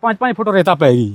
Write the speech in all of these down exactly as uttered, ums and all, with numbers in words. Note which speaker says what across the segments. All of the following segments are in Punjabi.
Speaker 1: पाँच पाँच फुट रेता पै गई,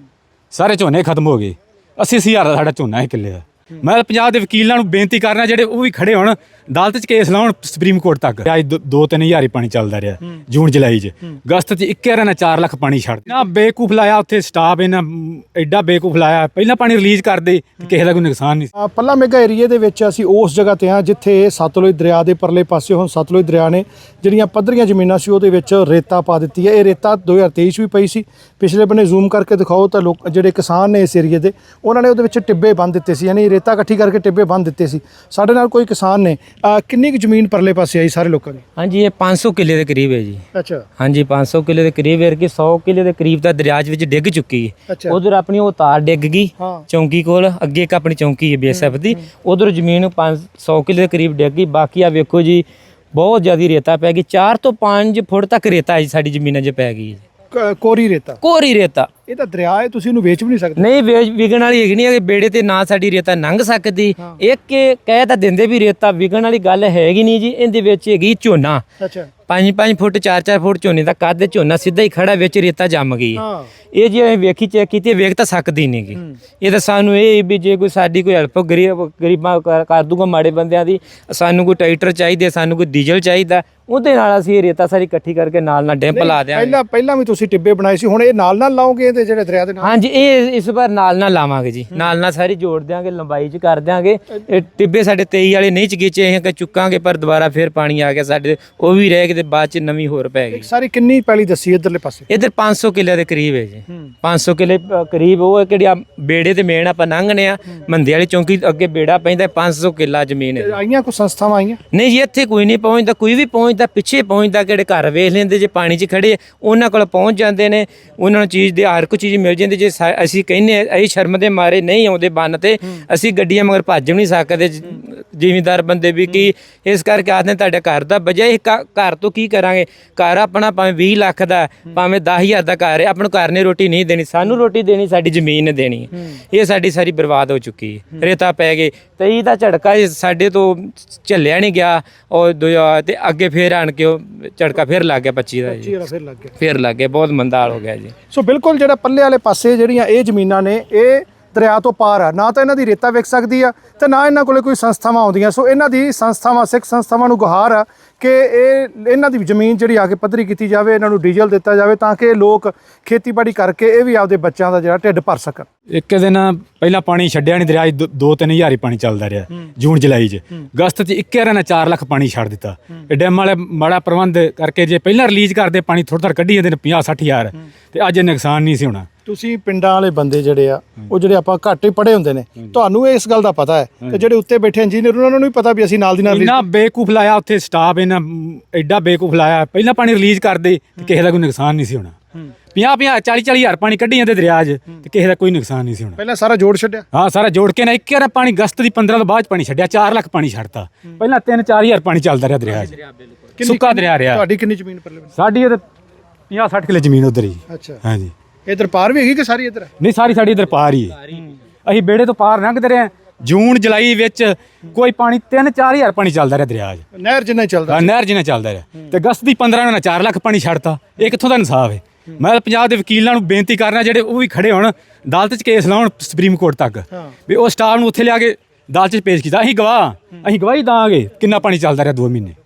Speaker 1: सारे झोने खत्म हो गए। अस्सी अस्सी हज़ार का साढ़ा झोना है किले का। मैं पंजाब के वकीलों को बेनती करना जेडे वो भी खड़े होण अदालत च केस लाउण सुप्रीम कोर्ट तक। अज दो तीन हज़ार ही पानी चलदा रहा जून जुलाई च, अगस्त च इक्के बार चार लाख पानी छड्ड ना बेवकूफ लाया उत्थे स्टाफ इन्ना एडा बेवकूफ लाया। पहला पानी रिलीज कर दे किसी का कोई नुकसान नहीं।
Speaker 2: पल्ला मेघा एरिए ਦੇ ਵਿੱਚ ਅਸੀਂ ਉਸ ਜਗ੍ਹਾ ਤੇ ਹਾਂ ਜਿੱਥੇ ਸਤਲੁਜ ਦਰਿਆ ਦੇ ਪਰਲੇ ਪਾਸੇ ਹੁਣ ਸਤਲੁਜ ਦਰਿਆ ਨੇ ਜਿਹੜੀਆਂ ਪੱਧਰੀਆਂ ਜ਼ਮੀਨਾਂ ਸੀ ਉਹਦੇ ਵਿੱਚ ਰੇਤਾ ਪਾ ਦਿੱਤੀ ਹੈ। ਇਹ ਰੇਤਾ ਦੋ ਹਜ਼ਾਰ ਤੇਈ 'ਚ ਵੀ ਪਈ ਸੀ। ਪਿਛਲੇ ਬੰਨੇ ਜ਼ੂਮ ਕਰਕੇ ਦਿਖਾਓ ਤਾਂ ਲੋਕ ਜਿਹੜੇ ਕਿਸਾਨ ਨੇ ਇਸ ਏਰੀਏ ਦੇ ਉਹਨਾਂ ਨੇ ਉਹਦੇ ਵਿੱਚ ਟਿੱਬੇ ਬੰਨ ਦਿੱਤੇ ਸੀ, ਯਾਨੀ ਰੇਤਾ ਇਕੱਠੀ ਕਰਕੇ ਟਿੱਬੇ ਬੰਨ ਦਿੱਤੇ ਸੀ। ਸਾਡੇ ਨਾਲ ਕੋਈ ਕਿਸਾਨ ਨੇ ਕਿੰਨੀ ਕੁ ਜ਼ਮੀਨ ਪਰਲੇ ਪਾਸੇ ਆਈ ਸਾਰੇ ਲੋਕਾਂ ਦੀ?
Speaker 3: ਹਾਂਜੀ ਇਹ पाँच सौ किले के करीब है जी।
Speaker 2: अच्छा
Speaker 3: हाँ जी पाँच सौ किले के करीब है कि सौ किले के करीब तक दरिया विच डिग चुकी है।
Speaker 2: अच्छा
Speaker 3: उधर अपनी वो तार डिग गई
Speaker 2: हाँ
Speaker 3: चौंकी कोल, अगे एक अपनी चौंकी है बीएसएफ दी, उधर जमीन पाँच सौ किले के करीब डिग गई। बाकी आ वेखो जी बहुत ज़्यादा रेता पै गई, चार तो पाँच फुट तक रेता है साडी जमीन च पै गई।
Speaker 2: ਕੋਰੀ ਰੇਤਾ,
Speaker 3: कोरी रेता
Speaker 2: ਇਹ ਤਾਂ ਦਰਿਆ ਹੈ, ਤੁਸੀਂ ਇਹਨੂੰ ਵੇਚ ਵੀ ਨਹੀਂ ਸਕਦੇ।
Speaker 3: ਨਹੀਂ ਵੇਚ ਵਿਕਣ ਵਾਲੀ ਹੈਗੀ ਨਹੀਂ, ਬੇੜੇ ਤੇ ਨਾ ਸਾਡੀ ਰੇਤਾ ਲੰਘ ਸਕਦੀ। ਇੱਕ ਕਹਿ ਤਾਂ ਦਿੰਦੇ ਵੀ ਰੇਤਾ ਵਿਕਣ ਵਾਲੀ ਗੱਲ ਹੈਗੀ ਨਹੀਂ ਜੀ। ਇਹਦੇ ਵਿੱਚ ਹੈਗੀ ਝੋਨਾ,
Speaker 2: ਅੱਛਾ
Speaker 3: ਪੰਜ ਪੰਜ ਫੁੱਟ ਚਾਰ ਚਾਰ ਫੁੱਟ ਝੋਨੇ ਦਾ ਕੱਦ, ਝੋਨਾ ਸਿੱਧਾ ਹੀ ਖੜਾ ਵਿੱਚ ਰੇਤਾ ਜੰਮ ਗਈ।
Speaker 2: ਹਾਂ
Speaker 3: ਇਹ ਜੇ ਅਸੀਂ ਵੇਖੀ ਚੈੱਕ ਕੀਤੀ ਵੇਖ ਤਾਂ ਸਕਦੀ ਨਹੀਂ ਗੀ। ਇਹ ਤਾਂ ਸਾਨੂੰ ਇਹ ਵੀ ਜੇ ਕੋਈ ਸਾਡੀ ਕੋਈ ਹੈਲਪ ਗਰੀਬ ਗਰੀਬਾਂ ਕਰ ਕਰ ਦੂਗਾ ਮਾੜੇ ਬੰਦਿਆਂ ਦੀ, ਸਾਨੂੰ ਕੋਈ ਟਰੈਕਟਰ ਚਾਹੀਦੇ, ਸਾਨੂੰ ਕੋਈ ਡੀਜ਼ਲ ਚਾਹੀਦਾ, ਉਹਦੇ ਨਾਲ ਅਸੀਂ ਇਹ ਰੇਤਾ ਸਾਰੀ ਇਕੱਠੀ ਕਰਕੇ ਨਾਲ ਨਾਲ ਡੈਂਪ ਲਾ ਦਿਆਂਗੇ।
Speaker 2: ਪਹਿਲਾਂ ਪਹਿਲਾਂ ਵੀ ਤੁਸੀਂ ਟਿੱਬੇ ਬਣਾਏ ਸੀ, ਹੁਣ ਇਹ ਨਾਲ ਨਾਲ ਲਾਓਗੇ ਇਹਦੇ ਜਿਹੜੇ ਦਰਿਆ ਦੇ ਨਾਲ?
Speaker 3: ਹਾਂਜੀ ਇਹ ਇਸ ਵਾਰ ਨਾਲ ਨਾਲ ਲਾਵਾਂਗੇ ਜੀ, ਨਾਲ ਨਾਲ ਸਾਰੀ ਜੋੜ ਦਿਆਂਗੇ, ਲੰਬਾਈ ਚ ਕਰ ਦਿਆਂਗੇ। ਇਹ ਟਿੱਬੇ ਸਾਡੇ ਤੇਈ ਵਾਲੇ ਨਹੀਂ ਚਗੀਚੇ ਅਸੀਂ ਚੁੱਕਾਂਗੇ, ਪਰ ਦੁਬਾਰਾ ਫਿਰ ਪਾਣੀ ਆ ਗਿਆ ਸਾਡੇ, ਉਹ ਵੀ ਰਹਿ ਗਏ ਤੇ ਬਾਅਦ ਚ ਨਵੀਂ ਹੋਰ ਪੈ ਗਈ।
Speaker 2: ਸਾਰੀ ਕਿੰਨੀ ਪੈਲੀ ਦੱਸੀ ਇੱਧਰਲੇ ਪਾਸੇ?
Speaker 3: ਇੱਧਰ ਪੰਜ ਸੌ ਕਿੱਲੇ ਦੇ ਕਰੀਬ ਹੈ ਜੀ, ਪੰਜ ਸੌ ਕਿੱਲੇ ਕਰੀਬ। ਉਹ ਕਿਹੜੀ ਆ ਬੇੜੇ ਤੇ ਮੇਨ ਆਪਾਂ ਲੰਘਨੇ ਆ, ਮੰਦੇ ਵਾਲੀ ਚੌਂਕੀ ਅੱਗੇ ਬੇੜਾ ਪੈਂਦਾ, ਪੰਜ ਸੌ ਕਿੱਲਾ ਜ਼ਮੀਨ ਹੈ।
Speaker 2: ਆਈਆਂ ਕੋਈ ਸੰਸਥਾਵਾਂ ਆਈਆਂ?
Speaker 3: ਨਹੀਂ ਜੀ ਇੱਥੇ ਕੋਈ ਨਹੀਂ ਪਹੁੰਚਦਾ, ਕੋਈ ਵੀ ਪਹੁੰਚਦਾ ਪਿੱਛੇ ਪਹੁੰਚਦਾ, ਕਿਹੜੇ ਘਰ ਵੇਖ ਲੈਂਦੇ ਜੇ ਪਾਣੀ 'ਚ ਖੜੇ ਉਹਨਾਂ ਕੋਲ ਪਹੁੰਚ ਜਾਂਦੇ ਨੇ, ਉਹਨਾਂ ਨੂੰ ਚੀਜ਼ ਦੀ ਹਰ ਕੋਈ ਚੀਜ਼ ਮਿਲ ਜਾਂਦੀ। ਜੇ ਅਸੀਂ ਕਹਿੰਦੇ ਅਸੀਂ ਸ਼ਰਮ ਦੇ ਮਾਰੇ ਨਹੀਂ ਆਉਂਦੇ ਬੰਨ ਤੇ, ਅਸੀਂ ਗੱਡੀਆਂ ਮਗਰ ਭੱਜ ਵੀ ਨਹੀਂ ਸਕਦੇ ਜ਼ਿਮੀਂਦਾਰ ਬੰਦੇ ਵੀ, ਕੀ ਇਸ ਕਰਕੇ ਆਖਦੇ ਤੁਹਾਡੇ ਘਰ ਦਾ ਵਜ੍ਹਾ ਇਹ ਘਰ ਤੋਂ ਕੀ ਕਰਾਂਗੇ। ਘਰ ਆਪਣਾ ਭਾਵੇਂ ਵੀਹ ਲੱਖ ਦਾ ਭਾਵੇਂ ਦਸ ਹਜ਼ਾਰ ਦਾ ਘਰ ਹੈ, ਆਪਣੇ ਘਰ ਨੇ ਰੋਟੀ ਨਹੀਂ ਦੇਣੀ, ਸਾਨੂੰ ਰੋਟੀ ਦੇਣੀ ਸਾਡੀ ਜ਼ਮੀਨ ਨੇ ਦੇਣੀ। ਇਹ ਸਾਡੀ ਸਾਰੀ ਬਰਬਾਦ ਹੋ ਚੁੱਕੀ ਹੈ, ਰੇਤਾ ਪੈ ਗਏ ਤੇ ਇਹਦਾ ਝਟਕਾ ਸਾਡੇ ਤੋਂ ਝੱਲਿਆ ਨਹੀਂ ਗਿਆ। ਔਰ ਤੇ ਅੱਗੇ ਫੇਰ ਆਣ ਕੇ ਉਹ ਝਟਕਾ ਫਿਰ ਲੱਗ ਗਿਆ ਪੱਚੀ ਦਾ ਜੀ,
Speaker 2: ਫਿਰ ਲੱਗ ਗਿਆ
Speaker 3: ਫਿਰ ਲੱਗ ਗਿਆ, ਬਹੁਤ ਮੰਦਾ ਹਾਲ ਹੋ ਗਿਆ ਜੀ।
Speaker 2: ਸੋ ਬਿਲਕੁਲ ਜਿਹੜਾ ਪੱਲੇ ਵਾਲੇ ਪਾਸੇ ਜਿਹੜੀਆਂ ਇਹ ਜ਼ਮੀਨਾਂ ਨੇ ਇਹ ਦਰਿਆ ਤੋਂ ਪਾਰ ਆ, ਨਾ ਤਾਂ ਇਹਨਾਂ ਦੀ ਰੇਤਾ ਵਿਕ ਸਕਦੀ ਆ ਤੇ ਨਾ ਇਹਨਾਂ ਕੋਲੇ ਕੋਈ ਸੰਸਥਾਵਾਂ ਆਉਂਦੀਆਂ। ਸੋ ਇਹਨਾਂ ਦੀ ਸੰਸਥਾਵਾਂ ਸਿੱਖ ਸੰਸਥਾਵਾਂ ਨੂੰ ਗੁਹਾਰ ਆ ਕਿ ਇਹ ਇਹਨਾਂ ਦੀ ਜ਼ਮੀਨ ਜਿਹੜੀ ਆ ਕੇ ਪੱਧਰੀ ਕੀਤੀ ਜਾਵੇ, ਇਹਨਾਂ ਨੂੰ ਡੀਜ਼ਲ ਦਿੱਤਾ ਜਾਵੇ ਤਾਂ ਕਿ ਲੋਕ ਖੇਤੀਬਾੜੀ ਕਰਕੇ ਇਹ ਵੀ ਆਪਦੇ ਬੱਚਿਆਂ ਦਾ ਜਿਹੜਾ ਢਿੱਡ ਭਰ ਸਕਣ।
Speaker 1: ਇੱਕ ਦਿਨ ਪਹਿਲਾਂ ਪਾਣੀ ਛੱਡਿਆ ਨਹੀਂ ਦਰਿਆ, ਦੋ ਤਿੰਨ ਹਜ਼ਾਰ ਹੀ ਪਾਣੀ ਚੱਲਦਾ ਰਿਹਾ ਜੂਨ ਜੁਲਾਈ 'ਚ, ਅਗਸਤ 'ਚ ਇੱਕੇ ਵਾਰ ਚਾਰ ਲੱਖ ਪਾਣੀ ਛੱਡ ਦਿੱਤਾ। ਇਹ ਡੈਮ ਵਾਲੇ ਮਾੜਾ ਪ੍ਰਬੰਧ ਕਰਕੇ ਜੇ ਪਹਿਲਾਂ ਰਿਲੀਜ਼ ਕਰਦੇ ਪਾਣੀ ਥੋੜ੍ਹਾ ਥੋੜ੍ਹਾ ਕੱਢੀ ਜਾਂਦੇ ਨੇ ਪੰਜਾਹ ਸੱਠ ਹਜ਼ਾਰ, ਤੇ ਅੱਜ ਇਹ ਨੁਕਸਾਨ ਨਹੀਂ ਸੀ ਹੋਣਾ।
Speaker 2: ਤੁਸੀਂ ਪਿੰਡਾਂ ਵਾਲੇ ਬੰਦੇ ਜਿਹੜੇ ਆ ਉਹ ਜਿਹੜੇ ਆਪਾਂ ਘੱਟ ਹੀ ਪੜ੍ਹੇ ਹੁੰਦੇ ਨੇ, ਤੁਹਾਨੂੰ ਇਸ ਗੱਲ ਦਾ ਪਤਾ ਹੈ ਕਿ ਜਿਹੜੇ ਉੱਤੇ ਬੈਠੇ ਇੰਜੀਨੀਅਰ ਉਹਨਾਂ ਨੂੰ ਵੀ ਪਤਾ ਵੀ ਅਸੀਂ ਨਾਲ ਦੀ ਨਾਲ
Speaker 1: ਇੰਨਾ ਬੇਵਕੂਫ ਲਾਇਆ ਉੱਥੇ ਸਟਾਫ, ਇਹਨਾਂ ਐਡਾ ਬੇਵਕੂਫ ਲਾਇਆ। ਪਹਿਲਾਂ ਪਾਣੀ ਰਿਲੀਜ਼ ਕਰਦੇ ਤੇ ਕਿਸੇ ਦਾ ਕੋਈ ਨੁਕਸਾਨ ਨਹੀਂ ਸੀ ਹੋਣਾ। ਪੰਜਾਹ ਪੰਜਾਹ ਚਾਲੀ ਚਾਲੀ ਹਜ਼ਾਰ ਪਾਣੀ ਕੱਢੀ ਜਾਂਦੇ ਦਰਿਆ 'ਚ ਤੇ ਕਿਸੇ ਦਾ ਕੋਈ ਨੁਕਸਾਨ ਨਹੀਂ ਸੀ ਹੋਣਾ।
Speaker 2: ਪਹਿਲਾਂ ਸਾਰਾ ਜੋੜ ਛੱਡਿਆ।
Speaker 1: ਹਾਂ ਸਾਰਾ ਜੋੜ ਕੇ ਨਾ ਇੱਕ ਵਾਰ ਪਾਣੀ ਅਗਸਤ ਦੀ ਪੰਦਰਾਂ ਤੋਂ ਬਾਅਦ ਪਾਣੀ ਛੱਡਿਆ, ਚਾਰ ਲੱਖ ਪਾਣੀ ਛੱਡਤਾ। ਪਹਿਲਾਂ ਤਿੰਨ ਚਾਰ ਹਜ਼ਾਰ ਪਾਣੀ ਚੱਲਦਾ ਰਿਹਾ ਦਰਿਆ 'ਚ, ਸੁੱਕਾ ਦਰਿਆ ਰਿਹਾ।
Speaker 2: ਤੁਹਾਡੀ ਕਿੰਨੀ ਜ਼ਮੀਨ ਪਰਲੇ?
Speaker 1: ਸਾਡੀ ਇਹ ਪੰਜਾਹ ਸੱਠ ਕਿੱਲੇ ਜ਼ਮੀਨ ਉਧਰ ਹੀ।
Speaker 2: ਅੱਛਾ
Speaker 1: ਹਾਂਜੀ
Speaker 2: ਇਧਰ ਪਾਰ ਵੀ ਹੈਗੀ ਕਿ ਸਾਰੀ ਇਧਰ?
Speaker 1: ਨਹੀਂ ਸਾਰੀ ਸਾਡੀ ਇਧਰ ਪਾਰ ਹੀ ਹੈ। ਅਸੀਂ ਬੇੜੇ ਤੋਂ ਪਾਰ ਲੰਘਦੇ ਰਹੇ। ਜੂਨ ਜੁਲਾਈ ਵਿੱਚ ਕੋਈ ਪਾਣੀ ਤਿੰਨ ਚਾਰ ਹਜ਼ਾਰ ਪਾਣੀ ਚੱਲਦਾ ਰਿਹਾ ਦਰਿਆ 'ਚ,
Speaker 2: ਨਹਿਰ ਜਿੰਨਾ ਹੀ ਚੱਲਦਾ।
Speaker 1: ਹਾਂ ਨਹਿਰ ਜਿੰਨਾ ਚੱਲਦਾ ਰਿਹਾ। ਤੇ ਅਗਸਤ ਦੀ ਪੰਦਰਾਂ ਨੂੰ ਚਾਰ ਲੱਖ ਪਾਣੀ ਛੱਡਤਾ। ਇਹ ਕਿੱਥੋਂ ਦਾ ਇਨਸਾਫ ਹੈ? ਮੈਂ ਪੰਜਾਬ ਦੇ ਵਕੀਲਾਂ ਨੂੰ ਬੇਨਤੀ ਕਰਨਾ ਜਿਹੜੇ ਉਹ ਵੀ ਖੜੇ ਹੋਣ ਅਦਾਲਤ 'ਚ ਕੇਸ ਲਾਉਣ ਸੁਪਰੀਮ ਕੋਰਟ ਤੱਕ, ਵੀ ਉਹ ਸਟਾਫ ਨੂੰ ਉੱਥੇ ਲਿਆ ਕੇ ਅਦਾਲਤ 'ਚ ਪੇਸ਼ ਕੀਤਾ। ਅਸੀਂ ਗਵਾਹ ਅਸੀਂ ਗਵਾਹੀ ਦਾਂਗੇ ਕਿੰਨਾ ਪਾਣੀ ਚੱਲਦਾ ਰਿਹਾ ਦੋ ਮਹੀਨੇ।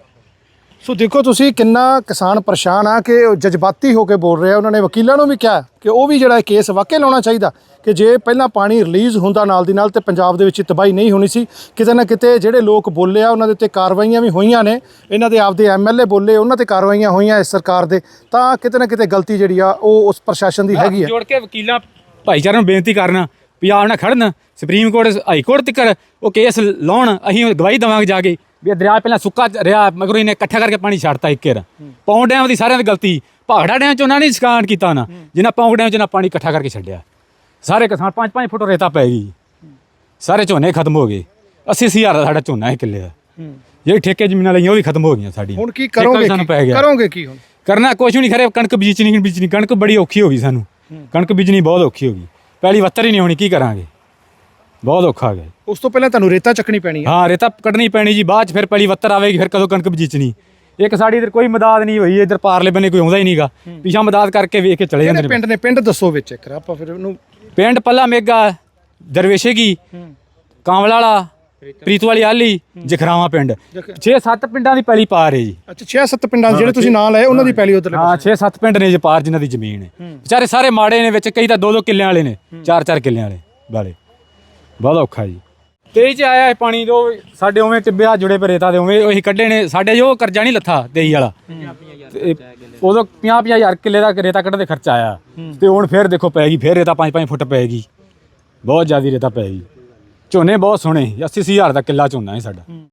Speaker 2: ਸੋ ਦੇਖੋ ਤੁਸੀਂ ਕਿੰਨਾ ਕਿਸਾਨ ਪਰੇਸ਼ਾਨ ਆ ਕਿ ਉਹ ਜਜ਼ਬਾਤੀ ਹੋ ਕੇ ਬੋਲ ਰਿਹਾ। ਉਹਨਾਂ ਨੇ ਵਕੀਲਾਂ ਨੂੰ ਵੀ ਕਿਹਾ ਕਿ ਉਹ ਵੀ ਜਿਹੜਾ ਕੇਸ ਵਾਕਿਆ ਲਾਉਣਾ ਚਾਹੀਦਾ ਕਿ ਜੇ ਪਹਿਲਾਂ ਪਾਣੀ ਰਿਲੀਜ਼ ਹੁੰਦਾ ਨਾਲ ਦੀ ਨਾਲ ਤੇ ਪੰਜਾਬ ਦੇ ਵਿੱਚ ਤਬਾਹੀ ਨਹੀਂ ਹੋਣੀ ਸੀ। ਕਿਤੇ ਨਾ ਕਿਤੇ ਜਿਹੜੇ ਲੋਕ ਬੋਲੇ ਆ ਉਹਨਾਂ ਦੇ ਉੱਤੇ ਕਾਰਵਾਈਆਂ ਵੀ ਹੋਈਆਂ ਨੇ, ਇਹਨਾਂ ਦੇ ਆਪਦੇ ਐਮ ਐਲ ਏ ਬੋਲੇ ਉਹਨਾਂ ਤੇ ਕਾਰਵਾਈਆਂ ਹੋਈਆਂ ਇਸ ਸਰਕਾਰ ਦੇ, ਤਾਂ ਕਿਤੇ ਨਾ ਕਿਤੇ ਗਲਤੀ ਜਿਹੜੀ ਆ ਉਹ ਉਸ ਪ੍ਰਸ਼ਾਸਨ ਦੀ ਹੈਗੀ ਆ।
Speaker 1: ਜੋੜ ਕੇ ਵਕੀਲਾਂ ਭਾਈਚਾਰੇ ਨੂੰ ਬੇਨਤੀ ਕਰਨਾ ਪੰਜਾਬ ਨਾਲ ਖੜਨ, ਸੁਪਰੀਮ ਕੋਰਟ ਹਾਈ ਕੋਰਟ ਤੱਕ ਉਹ ਕੇਸ ਲਾਉਣ। ਅਸੀਂ ਗਵਾਹੀ ਦੇਵਾਂਗੇ ਜਾ ਕੇ ਵੀ ਦਰਿਆ ਪਹਿਲਾਂ ਸੁੱਕਾ ਰਿਹਾ, ਮਗਰੋਂ ਇਹਨੇ ਇਕੱਠਾ ਕਰਕੇ ਪਾਣੀ ਛੱਡਤਾ ਇੱਕ ਵਾਰ। ਪੌਂਡ ਡੈਮ ਦੀ ਸਾਰਿਆਂ ਦੀ ਗਲਤੀ, ਭਾਖੜਾ ਡੈਮ 'ਚ ਉਹਨਾਂ ਨੇ ਸਕਾਨ ਕੀਤਾ ਨਾ, ਜਿੰਨਾ ਪੌਂਡ ਡੈਮ 'ਚ ਨਾ ਪਾਣੀ ਇਕੱਠਾ ਕਰਕੇ ਛੱਡਿਆ। ਸਾਰੇ ਕਿਸਾਨ ਪੰਜ ਪੰਜ ਫੁੱਟ ਰੇਤਾ ਪੈ ਗਈ, ਸਾਰੇ ਝੋਨੇ ਖਤਮ ਹੋ ਗਏ। ਅੱਸੀ ਅੱਸੀ ਹਜ਼ਾਰ ਦਾ ਸਾਡਾ ਝੋਨਾ ਹੈ ਕਿੱਲੇ ਦਾ। ਜਿਹੜੀ ਠੇਕੇ ਜ਼ਮੀਨਾਂ ਲਈਆਂ ਉਹ ਵੀ ਖਤਮ ਹੋ ਗਈਆਂ ਸਾਡੀ।
Speaker 2: ਹੁਣ ਕੀ ਕਰੋਗੇ? ਕਰੋਗੇ ਕੀ ਹੁਣ?
Speaker 1: ਕਰਨਾ ਕੁਛ ਵੀ ਨਹੀਂ। ਖਰੇ ਕਣਕ ਬੀਜਣੀ ਬੀਜਣੀ ਕਣਕ ਬੜੀ ਔਖੀ ਹੋ ਗਈ ਸਾਨੂੰ, ਕਣਕ ਬੀਜਣੀ ਬਹੁਤ ਔਖੀ ਹੋ ਗਈ। ਪਹਿਲੀ ਵੱਤਰ ਹੀ ਨਹੀਂ ਹੋਣੀ, ਕੀ ਕਰਾਂਗੇ? ਬਹੁਤ ਔਖਾ ਗਿਆ।
Speaker 2: ਉਸ ਤੋਂ ਪਹਿਲਾਂ ਤੁਹਾਨੂੰ ਰੇਤਾ ਚੱਕਣੀ ਪੈਣੀ ਹੈ।
Speaker 1: ਹਾਂ ਰੇਤਾ ਕੱਢਣੀ ਪੈਣੀ ਜੀ, ਬਾਅਦ 'ਚ ਫਿਰ ਪਹਿਲੀ ਵੱਤਰ ਆਵੇਗੀ, ਫਿਰ ਕਦੋਂ ਕਣਕ ਬੀਜਣੀ। ਇੱਕ ਸਾਡੀ ਇਧਰ ਕੋਈ ਮਦਦ ਨਹੀਂ ਹੋਈ, ਇਧਰ ਪਾਰਲੇ ਬੰਨੇ ਕੋਈ ਆਉਂਦਾ ਹੀ ਨਹੀਂਗਾ, ਪਿਛਾ ਮਦਦ ਕਰਕੇ ਵੇਖ ਕੇ ਚਲੇ ਜਾਂਦੇ
Speaker 2: ਕਿਹੜੇ
Speaker 1: ਨੇ।
Speaker 2: ਪਿੰਡ ਨੇ? ਪਿੰਡ ਦੱਸੋ ਵਿੱਚ ਇੱਕ ਆਪਾਂ ਫਿਰ ਉਹਨੂੰ।
Speaker 1: ਪਿੰਡ ਪੱਲਾ ਮੇਗਾ, ਦਰਵੇਸ਼ੇਗੀ, ਕਾਂਵਲਾ ਵਾਲਾ, ਪ੍ਰੀਤੂ ਵਾਲੀ ਆਲੀ, ਜਖਰਾਵਾਂ ਪਿੰਡ, ਛੇ ਸੱਤ ਪਿੰਡਾਂ ਦੀ ਪੈਲੀ ਪਾਰ ਹੈ ਜੀ।
Speaker 2: ਅੱਛਾ ਛੇ ਸੱਤ ਪਿੰਡਾਂ ਦੇ ਜਿਹੜੇ ਤੁਸੀਂ ਨਾਂ ਲਏ ਉਹਨਾਂ ਦੀ ਪਹਿਲੀ ਉਧਰ।
Speaker 1: ਹਾਂ ਛੇ ਸੱਤ ਪਿੰਡ ਨੇ ਜੀ ਪਾਰ ਜਿਨ੍ਹਾਂ ਦੀ ਜ਼ਮੀਨ ਹੈ। ਵਿਚਾਰੇ ਸਾਰੇ ਮਾੜੇ ਨੇ, ਵਿੱਚ ਕਈ ਤਾਂ ਦੋ ਦੋ ਕਿੱਲਿਆਂ ਵਾਲੇ ਨੇ, ਚਾਰ ਚਾਰ ਕਿੱਲਿਆਂ ਵਾਲੇ ਵਾਲੇ ਬਹੁਤ ਔਖਾ ਜੀ। ਤੇਈ ਚ ਆਇਆ ਇਹ ਪਾਣੀ, ਜੋ ਸਾਡੇ ਉਵੇਂ ਟਿੱਬਿਆ ਜੁੜੇ ਪਏ ਰੇਤਾ ਦੇ, ਉਵੇਂ ਉਹੀ ਕੱਢੇ ਨੇ ਸਾਡੇ, ਜੋ ਕਰਜ਼ਾ ਨਹੀਂ ਲੱਥਾ ਤੇਈ ਵਾਲਾ, ਤੇ ਉਦੋਂ ਪੰਜਾਹ ਪੰਜਾਹ ਹਜ਼ਾਰ ਕਿੱਲੇ ਦਾ ਰੇਤਾ ਕੱਢਣ ਦੇ ਖਰਚਾ ਆਇਆ, ਤੇ ਹੁਣ ਫਿਰ ਦੇਖੋ ਪੈ ਗਈ, ਫਿਰ ਰੇਤਾ ਪੰਜ ਪੰਜ ਫੁੱਟ ਪਏਗੀ, ਬਹੁਤ ਜ਼ਿਆਦਾ ਰੇਤਾ ਪੈ ਗਈ। ਝੋਨੇ ਬਹੁਤ ਸੋਹਣੇ, ਅੱਸੀ ਅੱਸੀ ਹਜ਼ਾਰ ਦਾ ਕਿੱਲਾ ਝੋਨਾ ਹੈ ਸਾਡਾ।